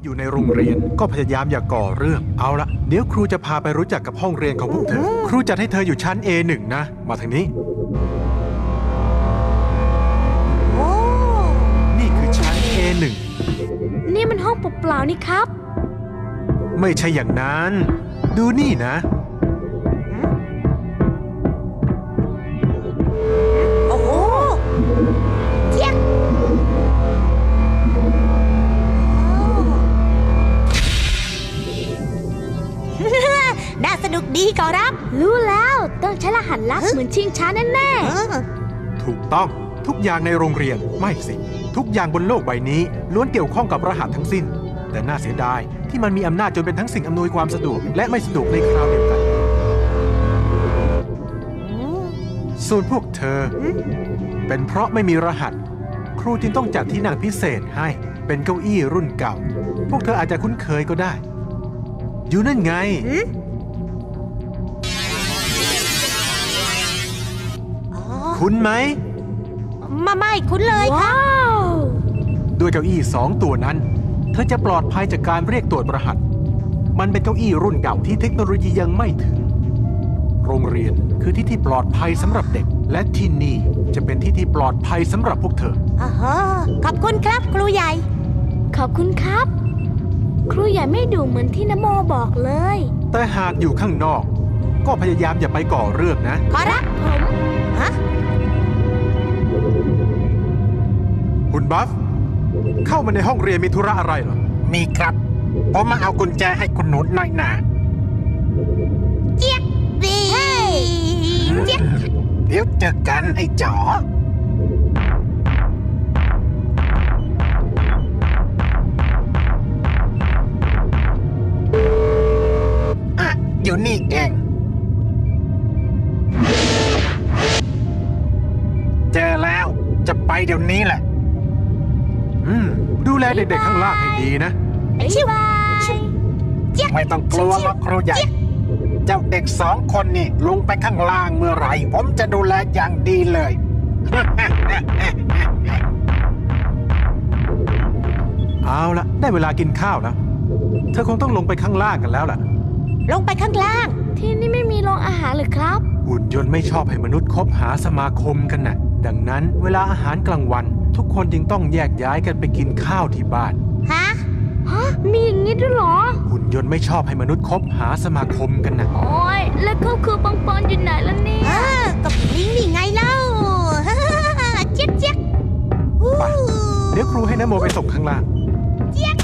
อยู่ในโรงเรียนก็พยายามอย่าก่อเรื่องเอาละเดี๋ยวครูจะพาไปรู้จักกับห้องเรียนของพวกเธอครูจัดให้เธออยู่ชั้น A1 นะมาทางนี้นี่คือชั้น A1 นี่มันห้องเปล่าๆนี่ครับไม่ใช่อย่างนั้นดูนี่นะโอ้โหเจี๊ยบน่าสนุกดีขอรับรู้แล้วต้องใช้รหัสลับเหมือนชิงช้าแน่ถูกต้องทุกอย่างในโรงเรียนไม่สิทุกอย่างบนโลกใบนี้ล้วนเกี่ยวข้องกับรหัสทั้งสิ้นแต่น่าเสียดายที่มันมีอำนาจจนเป็นทั้งสิ่งอำนวยความสะดวกและไม่สะดวกในคราวเดียวกันส่วนพวกเธอเป็นเพราะไม่มีรหัสครูจึงต้องจัดที่นั่งพิเศษให้เป็นเก้าอี้รุ่นเก่าพวกเธออาจจะคุ้นเคยก็ได้อยู่นั่นไงคุ้นไหมไม่คุ้นเลยครับด้วยเก้าอี้2 ตัวนั้นเธอจะปลอดภัยจากการเรียกตรวจรหัสมันเป็นเก้าอี้รุ่นเก่าที่เทคโนโลยียังไม่ถึงโรงเรียนคือที่ที่ปลอดภัยสำหรับเด็กและที่นี่จะเป็นที่ที่ปลอดภัยสำหรับพวกเธอขอบคุณครับครูใหญ่ขอบคุณครับครูใหญ่ไม่ดุเหมือนที่นโมบอกเลยแต่หากอยู่ข้างนอกก็พยายามอย่าไปก่อเรื่องนะขอรับคุณบัฟเข้ามาในห้องเรียนมีธุระอะไรเหรอมีครับผมมาเอากุญแจให้คุณหนูหน่อยนะเจี๊ยบดีเจี๊ยบเดี๋ยวเจอกันไอ้จ๋ออยู่นี่เองเจอแล้วจะไปเดี๋ยวนี้แหละดูแลเด็กๆข้างล่างให้ดีนะชิวไม่ต้องกลัวหรอกครูใหญ่เจ้าเด็ก2 คนนี่ลงไปข้างล่างเมื่อไหร่ผมจะดูแลอย่างดีเลยเอาละได้เวลากินข้าวแล้วเธอคงต้องลงไปข้างล่างกันแล้วล่ะลงไปข้างล่างที่นี่ไม่มีโรงอาหารหรือครับหุ่นยนต์ไม่ชอบให้มนุษย์คบหาสมาคมกันน่ะดังนั้นเวลาอาหารกลางวันทุกคนจึงต้องแยกย้ายกันไปกินข้าวที่บ้านฮะมีอย่างนี้ด้วยเหรอหุ่นยนต์ไม่ชอบให้มนุษย์คบหาสมาคมกันน่ะโอ้ยแล้วเขาคือปังปอนอยู่ไหนล่ะเนี่ยกับลิงนี่ไงเล่าเจี๊ยบเจี๊ยบไปเดี๋ยวครูให้นโมไปส่งข้างล่างเจี๊ยบ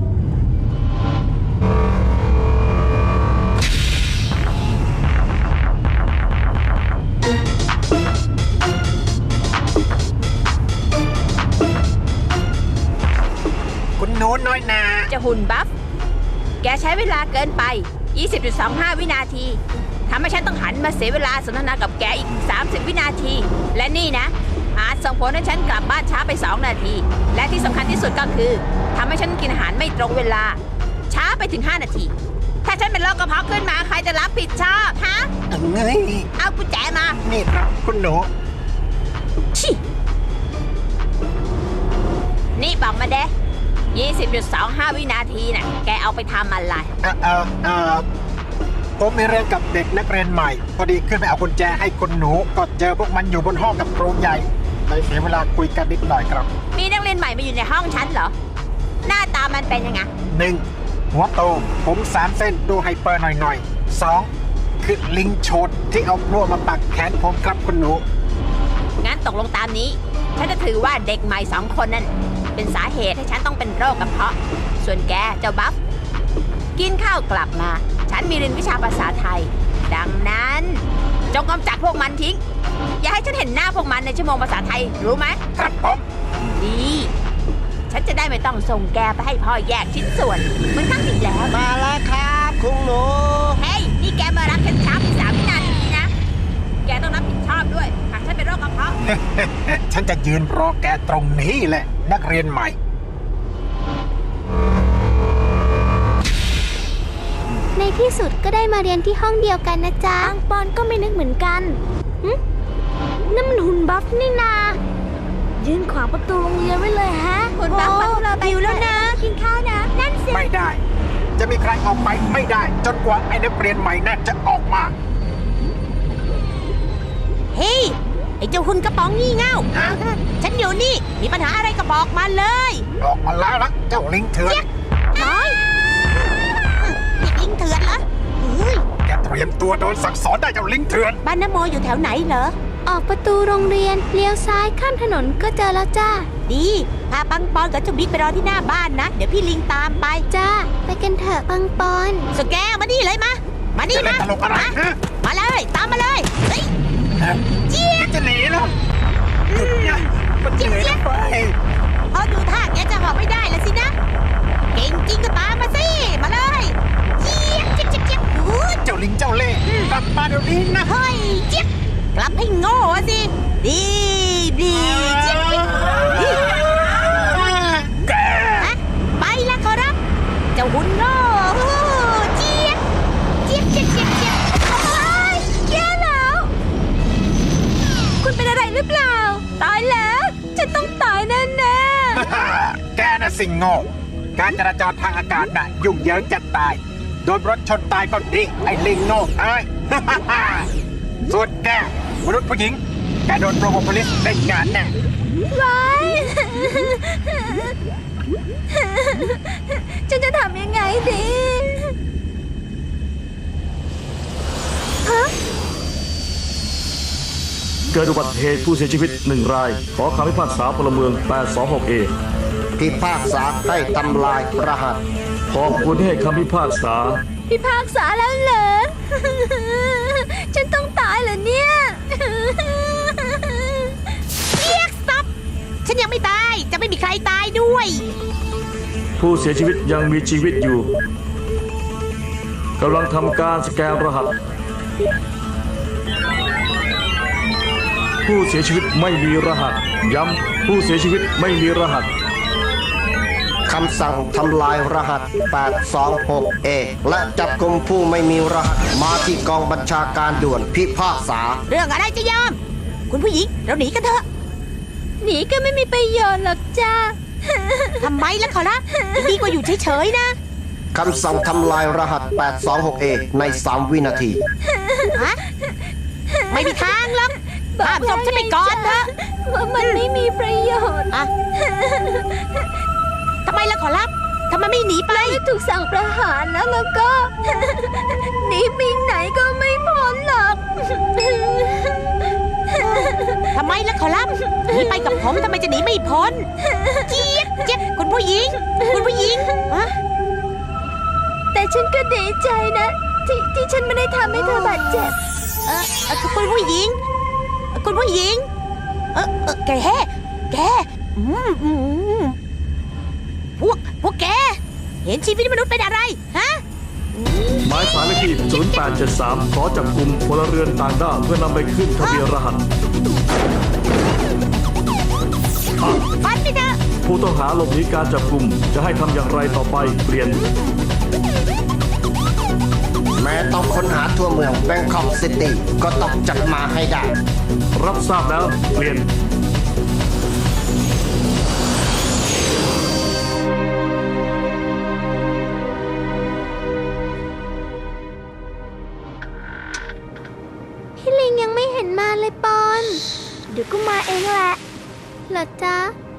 คุณหนูน้อยนาจะหุ่นบัฟแกใช้เวลาเกินไป 20.25 วินาทีทำให้ฉันต้องหันมาเสียเวลาสนทนากับแกอีก30 วินาทีและนี่นะอาจส่งผลให้ฉันกลับบ้านช้าไป2 นาทีและที่สำคัญที่สุดก็คือทำให้ฉันกินอาหารไม่ตรงเวลาช้าไปถึง5 นาทีถ้าฉันเป็นโรคกระเพาะขึ้นมาใครจะรับผิดชอบฮะเงยเอากุญแจมานี่ครับคุณหนูชินี่บอกมาเด้20.25 วินาทีน่ะแกเอาไปทำอะไรผมมีเรื่องกับเด็กนักเรียนใหม่พอดีขึ้นไปเอากุญแจให้คุณหนูก็เจอพวกมันอยู่บนห้องกับครูใหญ่เลยเสียเวลาคุยกันนิดหน่อยครับมีนักเรียนใหม่มาอยู่ในห้องฉันเหรอหน้าตามันเป็นยังไง 1หัวโตผม3 เส้นดูไฮเปอร์หน่อย2คือลิงโฉดที่เอาพลั่วมาปักแขนผมครับคุณหนูงั้นตกลงตามนี้ฉันจะถือว่าเด็กใหม่2 คนนั่นเป็นสาเหตุให้ฉันต้องเป็นโรคกระเพาะส่วนแกเจ้าบัฟกินข้าวกลับมาฉันมีเรียนวิชาภาษาไทยดังนั้นจงกำจัดพวกมันทิ้งอย่าให้ฉันเห็นหน้าพวกมันในชั่วโมงภาษาไทยรู้ไหมครับผมดีฉันจะได้ไม่ต้องส่งแกไปให้พ่อแยกชิ้นส่วนเหมือนครั้งที่แล้วมาแล้วครับคุณหนูเฮ้ยนี่แกมารับฉันช้า3 วินาทีนะแกต้องรับผิดชอบด้วยหากฉันเป็นโรคกระเพาะฉันจะยืนรอแกตรงนี้แหละนักเรียนใหม่ในที่สุดก็ได้มาเรียนที่ห้องเดียวกันนะจ๊ะปังปอนก็ไม่นึกเหมือนกันนั่นมันหุ่นบัฟนี่นายืนขวางประตูโรงเรียนไว้เลยฮะหุ่นบัฟเราไปอยู่แล้วนะกินข้าวนะนั่นสิไม่ได้ จะมีใครออกไปไม่ได้ จนกว่าไอ้นักเรียนใหม่นั่นจะออกมาเฮ้ย ไอ้เจ้าหุ่นกระป๋องงี่เง่าฮะฉันอยู่นี่ มีปัญหาอะไรก็บอกมาเลยออกมาแล้วละเจ้าลิงเถื่อนน้อยนี่ลิงเถื่อนเหรอเฮ้ยแกเตรียมตัวโดนสั่งสอนได้เจ้าลิงเถื่อนบ้านน้ำโมอยู่แถวไหนเหรอออกประตูโรงเรียนเลี้ยวซ้ายข้ามถนนก็เจอแล้วจ้าดีพาปังปอนกับเจ้าบิ๊กไปรอที่หน้าบ้านนะ เดี๋ยวพี่ลิงตามไปจ้า ไปกันเถอะปังปอนสแกวมานี่เลยมา มานี่จะเล่มานตลกอะไรฮะมาเลย ตามมาเลยเฮ้ยจะหนีแล้วหยุดนะมันจะหนีทำไมพอดูท่าแกจะหอบไม่ได้แล้วสินะ เก่งจริงก็ตามมาสิ มาเลยเจี๊ยบเจี๊ยบเจี๊ยบเจี๊ยบอุ๊ยเจ้าลิงเจ้าเล่ห์กลับมาเดี๋ยวนี้นะเฮ้ยเจี๊ยบกลับให้โง่สิ ดีดีเจี๊ยบเจี๊ยบนี่แกฮะไปละขอรับ เจ้าหุ่นโง่เจี๊ยบเจี๊ยบเจี๊ยบเจี๊ยบเจี๊ยบโอ้ยแย่แล้ว คุณเป็นอะไรหรือเปล่า ตายแล้ว ฉันต้องตายแน่แน่แกน่ะสิงโง่ การจราจรทางอากาศน่ะยุ่งเหยิงจะตาย โดนรถชนตายก็ดี ไอ้ลิงโง่เอ้ย ส่วนแกมนุษย์ผู้หญิง แกโดนโปรโมโพลิสได้งานแน่ว้าย ฉันจะทำยังไงดีเกิดอุบัติเหตุผู้เสียชีวิต1 ราย ขอคำพิพากษาพลเมือง 826A พิพากษาให้ทำลายรหัสขอบคุณที่ให้คำพิพากษาพิพากษาแล้วเหรอ ฉันต้องตายเหรอเนี่ยเจี๊ยบซับฉันยังไม่ตาย จะไม่มีใครตายด้วยผู้เสียชีวิตยังมีชีวิตอยู่กำลังทำการสแกนรหัส ผู้เสียชีวิตไม่มีรหัส ย้ำผู้เสียชีวิตไม่มีรหัสคำสั่งทำลายรหัส 826A และจับกุมผู้ไม่มีรหัส มาที่กองบัญชาการด่วนพิพากษาเรื่องอะไรจะยอม คุณผู้หญิง เราหนีกันเถอะหนีก็ไม่มีประโยชน์หรอกจ้าทำไมล่ะขอรับดีกว่าอยู่เฉยๆนะคำสั่งทำลายรหัส 826A ใน 3 วินาทีฮะ ไม่มีทางหรอกห้ามจบฉันไปก่อนเถอะว่ามันไม่มีประโยชน์อะทำไมล่ะขอรับทำไมไม่หนีไปไม่ถูกสั่งประหารแล้วก็ หนีไปไหนก็ไม่พ้นหรอกทำไมล่ะขอรับหนีไปกับผมทำไมจะหนีไม่พ้นเจี๊ยบเจี๊ยบคุณผู้หญิง คุณผู้หญิงฮะแต่ฉันก็ดีใจนะ ที่ฉันไม่ได้ทำให้เธอบาดเจ็บคุณผู้หญิง คุณผู้หญิง แกพวกแก เห็นชีวิตมนุษย์เป็นอะไร ฮะหมายสารเลขที่ 0873 ขอจับกลุ่มพลเรือนต่างด้าวเพื่อนำไปขึ้นทะเบียนรหัสฟันไปเถอะผู้ต้องหาหลบหนีการจับกลุ่มจะให้ทำอย่างไรต่อไปเปลี่ยนแม้ต้องค้นหาทั่วเมืองแบงคอกซิตี้ก็ต้องจับมาให้ได้รับทราบแล้วเปลี่ยนพี่ลิงยังไม่เห็นมาเลยปอน เดี๋ยวก็มาเองแหละเหรอจ๊ะ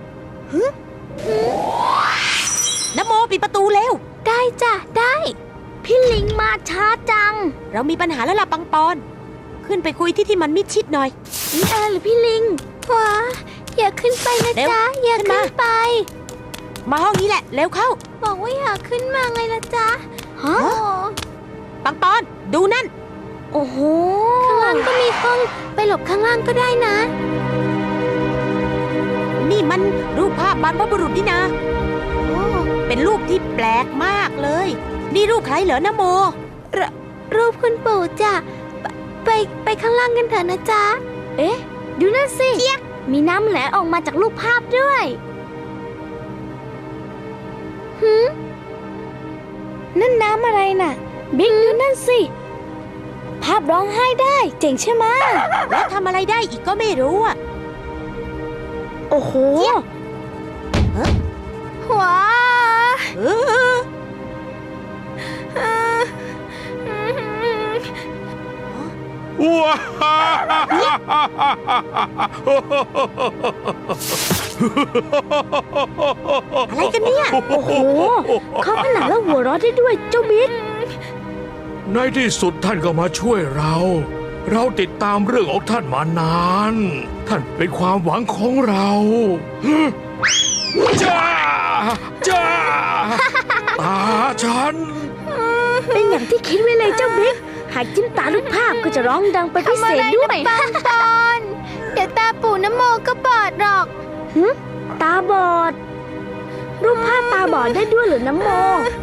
น้ำโมปิดประตูเร็วได้จ้ะ ได้ พี่ลิงมาช้าจังเรามีปัญหาแล้วล่ะปังปอน ขึ้นไปคุยที่มันมิดชิดหน่อยนี่อะไรหรือพี่ลิงว้าอย่าขึ้นไปนะเร็วจ๊ะ อย่าขึ้นขึ้มานไปมาห้องนี้แหละ เร็วเข้าบอกว่าอย่าขึ้นมาไงล่ะจ๊ะฮะปังปอน ดูนั่นโอ้โห ข้างล่างก็มีห้อง ไปหลบข้างล่างก็ได้นะนี่มันรูปภาพบรรพบุรุษนี่นะโอ้เป็นรูปที่แปลกมากเลย นี่รูปใครเหรอนะโมรูปคุณปู่จ้ะ ไปข้างล่างกันเถอะนะจ๊ะ เอ๊ะ ดูนั่นสิ มีน้ำไหลออกมาจากรูปภาพด้วยนั่นน้ำอะไรน่ะ บิ๊กดูนั่นสิ ภาพร้องไห้ได้เจ๋งใช่ไหมแล้วทำอะไรได้อีกก็ไม่รู้อ่ะโอ้โหว้าเออว้าอะไรกันเนี่ยโอ้โห เขาผนังแล้วหัวเราะได้ด้วยเจ้าบิ๊กในที่สุดท่านก็มาช่วยเรา เราติดตามเรื่องของท่านมานาน ท่านเป็นความหวังของเราจ้าจ้าตาฉันเป็นอย่างที่คิดไว้เลยเจ้าบิ๊ก หากจิ้มตาลูกภาพก็จะร้องดังเป็นพิเศษด้วยปังปอนเดี๋ยวตาปู่น้ำโมก็บอดหรอกตาบอด รูปภาพตาบอดได้ด้วยเหรือน้ำโม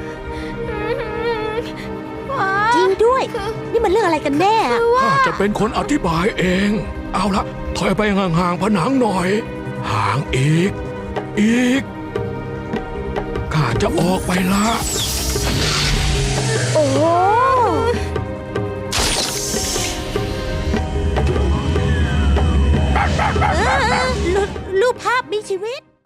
จริงด้วย นี่มันเรื่องอะไรกันแน่อะข้าจะเป็นคนอธิบายเอง เอาละถอยไปห่างๆผนังหน่อย ห่างอีก ข้าจะออกไปละโอ้โหรูปภาพมีชีวิต